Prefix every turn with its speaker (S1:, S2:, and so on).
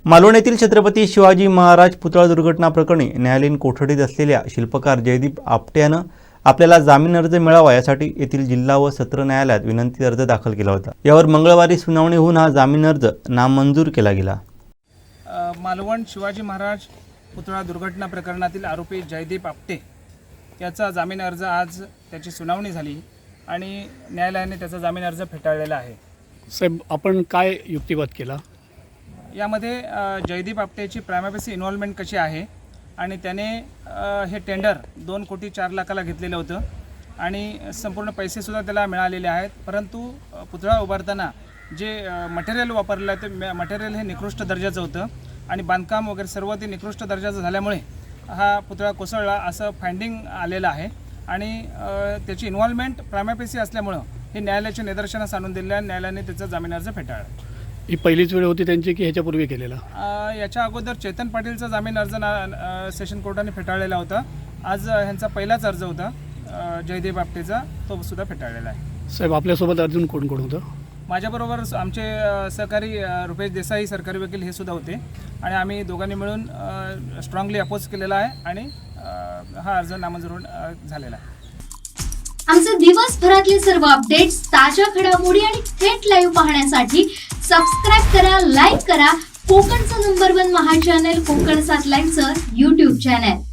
S1: मालवण येथील छत्रपती शिवाजी महाराज पुतळा दुर्घटना प्रकरणी न्यायालयीन कोठडीत असलेल्या शिल्पकार जयदीप आपटे यानं आपल्याला जामीन अर्ज मिळावा यासाठी येथील जिल्हा व सत्र न्यायालयात विनंती अर्ज दाखल केला होता। यावर मंगळवारी सुनावणी होऊन हा जामीन अर्ज नामंजूर केला गेला।
S2: मालवण शिवाजी महाराज पुतळा दुर्घटना प्रकरणातील आरोपी जयदीप आपटे याचा जामीन अर्ज आज त्याची सुनावणी झाली आणि न्यायालयाने त्याचा जामीन अर्ज फेटाळलेला आहे।
S3: साहेब, आपण काय युक्तिवाद केला
S2: यामध्ये? जयदीप आपटेची प्रायमापेसी इन्व्हॉल्वमेंट कशी आहे आणि त्याने हे टेंडर 2,04,00,000ला घेतलेलं होतं आणि संपूर्ण पैसेसुद्धा त्याला मिळालेले आहेत, परंतु पुतळा उभारताना जे मटेरियल वापरलं आहे ते मटेरियल हे निकृष्ट दर्जाचं होतं आणि बांधकाम वगैरे सर्व ते निकृष्ट दर्जाचं झाल्यामुळे हा पुतळा कोसळला असं फाइंडिंग आलेलं आहे आणि त्याची इन्व्हॉल्वमेंट प्रायमापेसी असल्यामुळं हे न्यायालयाच्या निदर्शनास आणून दिलं आहे। न्यायालयाने त्याचा जामीन अर्ज फेटाळला।
S3: ही पहिलीच वेळ होती त्यांची की ह्याच्यापूर्वी केलेला?
S2: याच्या अगोदर चेतन पाटीलचा जामीन अर्ज सेशन कोर्टाने फेटाळलेला होता। आज ह्यांचा पहिलाच अर्ज होता जयदीप आपटेचा, तो सुद्धा फेटाळलेला आहे।
S3: साहेब, आपल्यासोबत अजून कोण कोण होतं?
S2: माझ्याबरोबर आमचे सहकारी रुपेश देसाई सरकारी वकील हे सुद्धा होते आणि आम्ही दोघांनी मिळून स्ट्रॉंगली अपोज केलेला आहे आणि हा अर्ज नामंजूर झालेला आहे।
S4: आमचे दिवसभरातले सर्व अपडेट्स, ताज्या घडामोडी आणि थेट लाईव्ह पाहण्यासाठी सबस्क्राइब करा, लाईक करा कोकणचं नंबर 1 महा चॅनल कोकण 7 लाईव्हचं YouTube चॅनल।